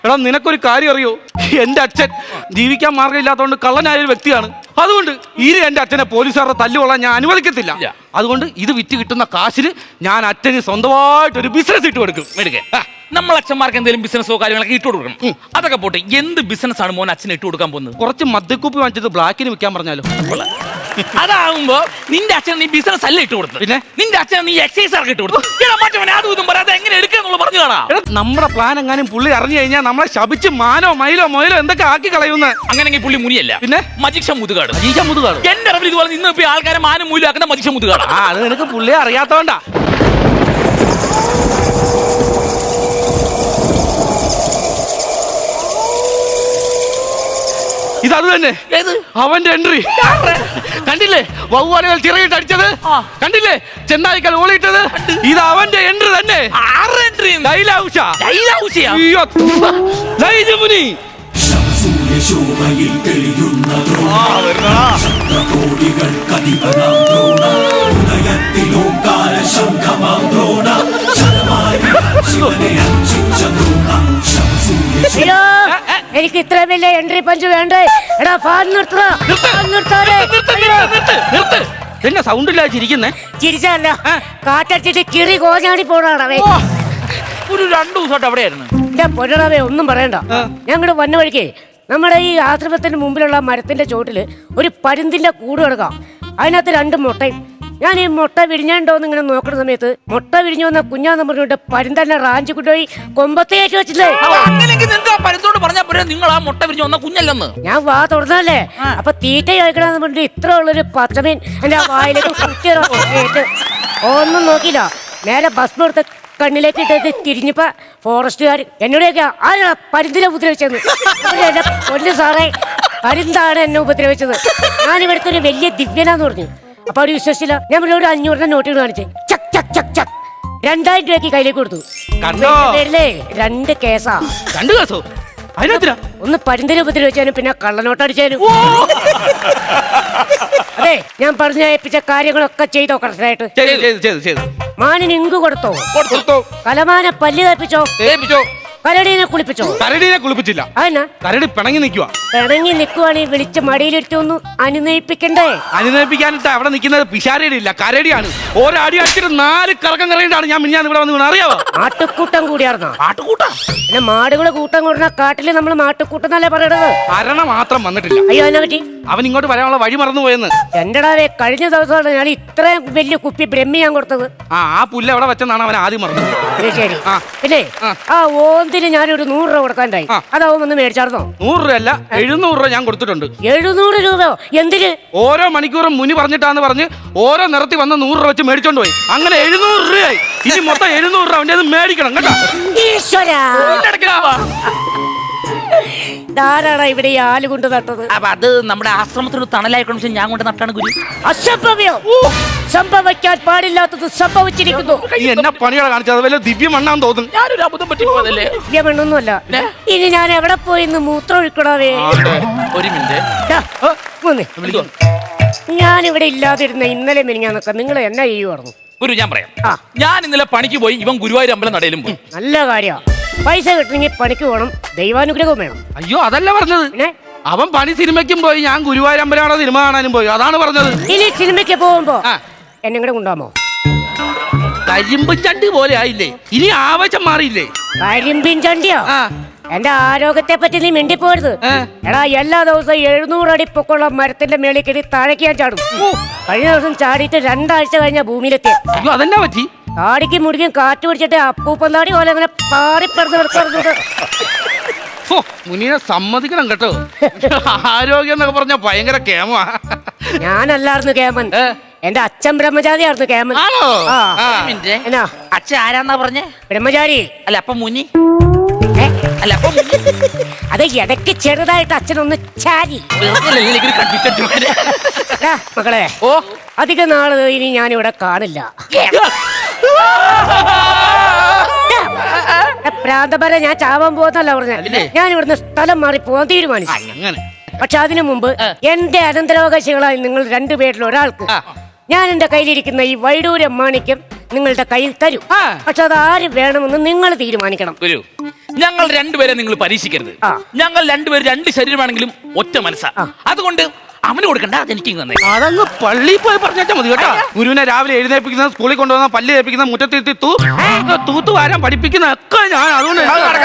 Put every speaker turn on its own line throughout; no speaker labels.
എടാ നിനക്കൊരു കാര്യം അറിയോ? എന്റെ അച്ഛൻ ജീവിക്കാൻ മാർഗമില്ലാത്തതുകൊണ്ട് കള്ളനായ ഒരു വ്യക്തിയാണ്. അതുകൊണ്ട് ഇനി എന്റെ അച്ഛനെ പോലീസുകാരുടെ തല്ലുകൊള്ളാൻ ഞാൻ അനുവദിക്കത്തില്ല. അതുകൊണ്ട് ഇത് വിറ്റ് കിട്ടുന്ന കാശിന് ഞാൻ അച്ഛന് സ്വന്തമായിട്ടൊരു ബിസിനസ് ഇട്ട് കൊടുക്കും.
നമ്മൾ അച്ഛന്മാർക്ക് എന്തെങ്കിലും ബിസിനസ്സോ കാര്യങ്ങളൊക്കെ ഇട്ട് കൊടുക്കണം. അതൊക്കെ പോട്ടെ, എന്ത് ബിസിനസ് ആണ് മോൻ അച്ഛനെ ഇട്ട് കൊടുക്കാൻ പോകുന്നത്?
കുറച്ച് മദ്യക്കുപ്പി വാങ്ങിച്ചത് ബ്ലാക്കിന് വിൽക്കാൻ പറഞ്ഞാലോ?
അതാവുമ്പോ നിന്റെ അച്ഛൻ നീ ബിസിനസ് അല്ല ഇട്ട് കൊടുത്തു, പിന്നെ നിന്റെ അച്ഛൻ നീ എക്സൈസ് ആർക്ക് ഇട്ട് കൊടുത്തു. അതും ഇതും പറയാതെ എങ്ങനെ എടുക്കാന്നുള്ള പറഞ്ഞു കാണാം.
നമ്മുടെ പ്ലാൻ എങ്ങാനും പുള്ളി അറിഞ്ഞു കഴിഞ്ഞാൽ നമ്മളെ ശപിച്ച് മാനോ മയിലോ മൊയിലോ എന്തൊക്കെ ആക്കി കളയുന്ന.
അങ്ങനെയെങ്കിൽ പുള്ളി മുനിയല്ല,
പിന്നെ
മജിക്ഷ മുതുകാട്.
എന്റെ
അറിവിൽ ഇതുപോലെ നിന്ന് ആൾക്കാരെ മാനം മൂലാക്കുന്ന മജിക്ഷ മുതുകാട്.
അത് നിനക്ക് പുള്ളിയെ അറിയാത്തോണ്ടാ. ഇതത് തന്നെ അവന്റെ എൻട്രി കണ്ടില്ലേ? വവ്വാലുകൾ ചിറകിട്ട് അടിച്ചത് കണ്ടില്ലേ? ചെന്നായിക്കൽ ഓളിയിട്ടത് ഇത് അവന്റെ എൻട്രി തന്നെ.
എനിക്ക് ഇത്ര വലിയ എൻട്രി പഞ്ച് വേണ്ടേ? എടാ ഫാൻ
എന്നെ സൗണ്ട് ഇല്ലാതെ ചിരിക്കുന്നേ?
ചിരിച്ചല്ല, കാറ്റടിച്ചിട്ട് കിറി കോഞ്ഞാടി പോണാണവേ.
ഒരു 2 ദിവസമായിട്ട് അവിടെയായിരുന്നു.
എന്റെ പൊന്നടവേ ഒന്നും പറയണ്ട. ഞങ്ങളുടെ വന്ന വഴിക്ക് നമ്മുടെ ഈ ആശ്രമത്തിന് മുമ്പിലുള്ള മരത്തിന്റെ ചോട്ടില് ഒരു പരുന്തിന്റെ കൂട് കിടക്കാം. അതിനകത്ത് 2 മുട്ടയും. ഞാൻ ഈ മുട്ട വിരിഞ്ഞാണ്ടോന്ന് ഇങ്ങനെ നോക്കുന്ന സമയത്ത് മുട്ട വിരിഞ്ഞു വന്ന കുഞ്ഞാന്ന് പറഞ്ഞിട്ട് പരുന്തന്നെ റാഞ്ചി കൊണ്ടുപോയി കൊമ്പത്തേറ്റ് വെച്ചില്ലേ.
നിങ്ങൾ ആ മുട്ട വിരിഞ്ഞു വന്ന കുഞ്ഞല്ലെന്ന്
ഞാൻ വാ തുറന്നല്ലേ. അപ്പൊ തീറ്റ കഴിക്കണമെന്ന് പറഞ്ഞിട്ട് ഇത്ര ഉള്ളൊരു പച്ചമീൻ എന്റെ വായിലേക്ക് കുത്തിയിട്ട് ഒന്നും നോക്കിയില്ല. നേരെ ഭസ്മം എടുത്ത് കണ്ണിലേക്ക് ഇട്ടത് തിരിഞ്ഞപ്പോ ഫോറസ്റ്റുകാർ എന്നോടൊക്കെ ആരാ പരുന്തിനെ ഉപദ്രവിച്ചത്? എന്റെ പൊന്നു സാറേ, പരുന്താണ് എന്നെ ഉപദ്രവിച്ചത്. ഞാൻ ഇവിടുത്തെ ഒരു വലിയ ദിവ്യനാന്ന് പറഞ്ഞു. അപ്പൊ അവര് വിശ്വസിച്ചില്ല. ഞാൻ ഇവിടെ ഒരു 500 നോട്ടുകൾ കാണിച്ചേ. ചക് ചക് ചക് ചക് 2000 രൂപയ്ക്ക് കയ്യിലേക്ക് കൊടുത്തു. പേരിലേ 2 കേസാ.
2 കേസോ?
ഒന്ന് പരുന്തിനെ ഉപദ്രവിച്ചാലും പിന്നെ കള്ളനോട്ടടിച്ചാലും. അതെ, ഞാൻ പറഞ്ഞ ഏൽപ്പിച്ച കാര്യങ്ങളൊക്കെ ചെയ്തോ കറക്റ്റായിട്ട്? മാനിന് ഇങ്ക് കൊടുത്തോ? കലമാന പല്ല് തേപ്പിച്ചോ? കരടീനെ കുളിപ്പിച്ചോ?
കരടീനെ കുളിപ്പിച്ചില്ല. കരടി പിണങ്ങി നിൽക്കുക.
പിണങ്ങി നിൽക്കുവാണെങ്കിൽ വിളിച്ച് മടിയിലിട്ട് ഒന്ന് അനുനയിപ്പിക്കണ്ടേ?
അനുനയിപ്പിക്കാനിട്ട് അവിടെ നിൽക്കുന്നത് പിശാരടി ഇല്ല, കരടിയാണ്. ഓരോ അടി അടിച്ചിട്ട് 4 കറക്കം കറങ്ങിയിട്ടാണ് ഞാൻ മിഞ്ഞാന്ന് ഇവിടെ വന്ന്. അറിയാവോ?
ആട്ടുകൂട്ടം കൂടിയാർന്നോ?
ആട്ടുകൂട്ടം
പിന്നെ മാടുകളെ കൂട്ടം കൂടുന്ന കാട്ടില് നമ്മൾ മാട്ടുകൂട്ടം എന്നല്ലേ പറയണത്.
അരണ മാത്രം വന്നിട്ടില്ല.
അയ്യോ, അതിനെ പറ്റി
അവൻ ഇങ്ങോട്ട് വരാനുള്ള വഴി മറന്നു പോയെന്ന്.
എന്റെടാവേ, കഴിഞ്ഞ ദിവസമാണ് ഞാൻ ഇത്രയും വലിയ കുപ്പി ബ്രഹ്മി ഞാൻ കൊടുത്തത്.
ആ പുല്ല് എവിടെ വെച്ചെന്നാണ് അവൻ ആദ്യം മറന്നത്.
ശരി. പിന്നെ ആ ഓന്തിന് ഞാനൊരു 100 രൂപ കൊടുക്കാണ്ടായി. അതാവും ഒന്ന് മേടിച്ചാർന്നോ?
100 രൂപ അല്ല, 700 രൂപ ഞാൻ കൊടുത്തിട്ടുണ്ട്.
700 രൂപയോ? എന്തിന്?
ഓരോ മണിക്കൂറും മുനി പറഞ്ഞിട്ടാന്ന് പറഞ്ഞ് ഓരോ നിറത്തി വന്ന് 100 രൂപ വെച്ച് മേടിച്ചോണ്ട് പോയി. അങ്ങനെ 700 രൂപയായി. ഇനി മൊത്തം 700 രൂപ അവൻ്റെ മേടിക്കണം കേട്ടോ.
ധാരാള ഇവിടെ ഈ ആല് കൊണ്ട് നട്ടത്.
അപ്പൊ അത് നമ്മുടെ ആശ്രമത്തിന് തണലായിക്കണം. ഞാൻ കൊണ്ട് നട്ടാണ് ഗുരു.
അസംഭവ്യം, സംഭവിക്കാൻ പാടില്ലാത്തത് സംഭവിച്ചിരിക്കുന്നു.
എന്നെ പണികളെ കാണിച്ചത് വല്ല ദിവ്യമണ്ണാന്ന് തോന്നുന്നു.
ഞാനൊരു അബദ്ധം പറ്റിപ്പോയതല്ലേ?
ദിവ്യമണ്ണൊന്നുമല്ല. ഇനി ഞാൻ എവിടെ പോയി ഇന്ന് മൂത്രം ഒഴിക്കണവേ?
ഒരു മിനിറ്റ്.
ഞാനിവിടെ ഇല്ലാതിരുന്ന ഇന്നലെ മിനിഞ്ഞാന്നൊക്കെ നിങ്ങൾ എന്നാ ചെയ്യുമായിരുന്നു?
ഗുരു ഞാൻ പറയാം. ഞാൻ ഇന്നലെ പണിക്ക് പോയി. ഇവൻ ഗുരുവായൂർ അമ്പലം നടയിലും പോയി.
നല്ല കാര്യ. പൈസ കിട്ടണമെങ്കിൽ പണിക്ക് പോകണം, ദൈവാനുഗ്രഹവും വേണം.
അയ്യോ, അതല്ല പറഞ്ഞത്. അവൻ പണി സിനിമയ്ക്കും പോയി, ഞാൻ ഗുരുവായൂർ അമ്പലമാണോ സിനിമ കാണാനും പോയി. അതാണ് പറഞ്ഞത്.
ഇനി സിനിമയ്ക്ക് പോകുമ്പോ എന്നെ കൂടെ കൊണ്ടുപോകാമോ?
കരിമ്പും ചണ്ടി പോലെ ആയില്ലേ? ഇനി ആവശ്യം മാറിയില്ലേ?
കരിമ്പിൻ ചണ്ടിയോ? എന്റെ ആരോഗ്യത്തെ പറ്റി നീ മിണ്ടിപ്പോരുത്. എടാ, എല്ലാ ദിവസവും 700 അടി പൊക്കമുള്ള മരത്തിന്റെ മേളിൽ കയറി താഴേക്ക് ഞാൻ ചാടും. കഴിഞ്ഞ ദിവസം ചാടിയിട്ട് 2 ആഴ്ച കഴിഞ്ഞ ഭൂമിയിലെത്തി.
അതെന്നാ പറ്റി?
താടിക്ക് മുടിക്കും കാറ്റ് പിടിച്ചിട്ട് അപ്പൂപ്പന്താടി പോലെ അങ്ങനെ പാറിപ്പറന്ന് കിടക്കുന്നത്.
മുനിയെ സമ്മതിക്കണം കേട്ടോ. ആരോഗ്യം എന്നൊക്കെ പറഞ്ഞ ഭയങ്കര കേമാ.
ഞാനല്ലായിരുന്നു കേമൻ, എന്റെ അച്ഛൻ ബ്രഹ്മചാരിയായിരുന്നു കേമൻ.
എന്നാ അച്ഛൻ ആരാന്നാ പറഞ്ഞേ?
ബ്രഹ്മചാരി
അല്ല, അപ്പൊ മുനി
അല്ല. അത് ഇടയ്ക്ക് ചെറുതായിട്ട് അച്ഛനൊന്ന് ചാരി. മക്കളെ, അധിക നാള് ഇനി ഞാനിവിടെ കാണില്ല. പ്രാന്തപര ഞാൻ ചാവാൻ പോകുന്നല്ല പറഞ്ഞ. ഞാൻ ഇവിടുന്ന് സ്ഥലം മാറി പോകാൻ തീരുമാനിച്ചു. പക്ഷെ അതിനു മുമ്പ് എന്റെ അനന്തരാവകാശികളായി നിങ്ങൾ 2 പേരിൽ ഒരാൾക്ക് ഞാൻ എന്റെ കയ്യിലിരിക്കുന്ന ഈ വൈഡൂര്യ മാണിക്യം നിങ്ങളുടെ കയ്യിൽ തരും. പക്ഷെ അത് ആര് വേണമെന്ന് നിങ്ങൾ തീരുമാനിക്കണം.
ഞങ്ങൾ രണ്ടുപേരെ നിങ്ങൾ പരീക്ഷിക്കരുത്. ഞങ്ങൾ രണ്ടുപേരും രണ്ട് ശരീരമാണെങ്കിലും ഒറ്റ മനസ്സാ. അതുകൊണ്ട് അവന് കൊടുക്കണ്ട, അതെനിക്ക് തന്നെ.
അതങ്ങ് പള്ളിയിൽ പോയി പറഞ്ഞാൽ മതി കേട്ടോ. ഗുരുവിനെ രാവിലെ എഴുന്നേൽപ്പിക്കുന്ന, സ്കൂളിൽ കൊണ്ടുവന്ന, പല്ല് തേപ്പിക്കുന്ന, മുറ്റത്തിരുത്തി തൂത്തു വാരാൻ പഠിപ്പിക്കുന്ന ഒക്കെ ഞാൻ. അതുകൊണ്ട്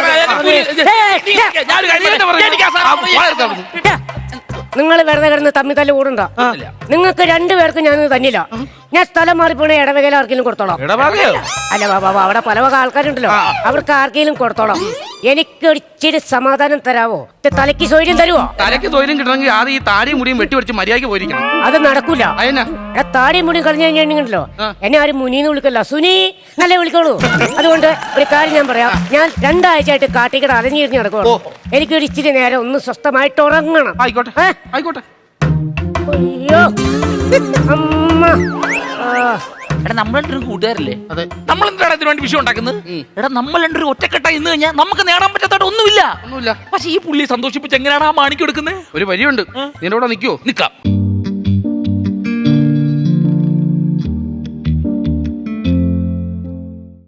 നിങ്ങൾ വെറുതെ കിടന്ന് തമ്മി തല്ല് കൂടണ്ട. നിങ്ങൾക്ക് രണ്ടുപേർക്കും ഞാൻ തന്നില്ല. ഞാൻ സ്ഥലം മാറിപ്പോണ ഇടവകയിൽ ആർക്കെങ്കിലും കൊടുത്തോളാം. അല്ല ബാബാ, അവിടെ പല വക ആൾക്കാരുണ്ടല്ലോ, അവർക്ക് ആർക്കെങ്കിലും കൊടുത്തോളാം. എനിക്ക് ഒരിച്ചിരി സമാധാനം തരാവോ? തലയ്ക്ക് സൗകര്യം തരുവോ?
തലയ്ക്ക് തൊഴിലും കിട്ടണമെങ്കിൽ ആദ്യം ഈ താടിയും മുടിയും വെട്ടിവെച്ച് മര്യാദയ്ക്ക് പോയിരിക്കണം.
അത് നടക്കൂല. താടിയും മുടിയും കളഞ്ഞു കഴിഞ്ഞിട്ടുണ്ടല്ലോ, എന്നെ ആരും മുനീന്ന് വിളിക്കല്ല, സുനി നല്ല വിളിക്കോളൂ. അതുകൊണ്ട് ഒരു കാര്യം ഞാൻ പറയാം. ഞാൻ 2 ആഴ്ചയായിട്ട് കാട്ടിക്കട അലഞ്ഞിരിഞ്ഞ് നടക്കുള്ളൂ. എനിക്കൊരു ഇച്ചിരി നേരം ഒന്ന് സ്വസ്ഥമായിട്ട് ഉറങ്ങണം.
ആയിക്കോട്ടെ ആയിക്കോട്ടെ.
അയ്യോ അമ്മ.
എടാ, നമ്മൾ രണ്ടും കൂട്ടുകാരല്ലേ?
അതെ.
നമ്മൾ എന്താണ് ഇതിനു വേണ്ടി വിഷയം ഉണ്ടാക്കുന്നത്? എടാ, നമ്മൾ രണ്ടും ഒറ്റക്കെട്ടായി ഇന്ന് കഴിഞ്ഞാൽ നമുക്ക് നേടാൻ പറ്റാത്ത ഒന്നുമില്ല.
ഒന്നുമില്ല.
പക്ഷെ ഈ പുള്ളിയെ സന്തോഷിപ്പിച്ച് എങ്ങനെയാണ് ആ മാണിക്ക് എടുക്കുന്നത്?
ഒരു വഴിയുണ്ട്. നിന്റെ കൂടെ നിൽക്കുവോ?
നിക്കാം.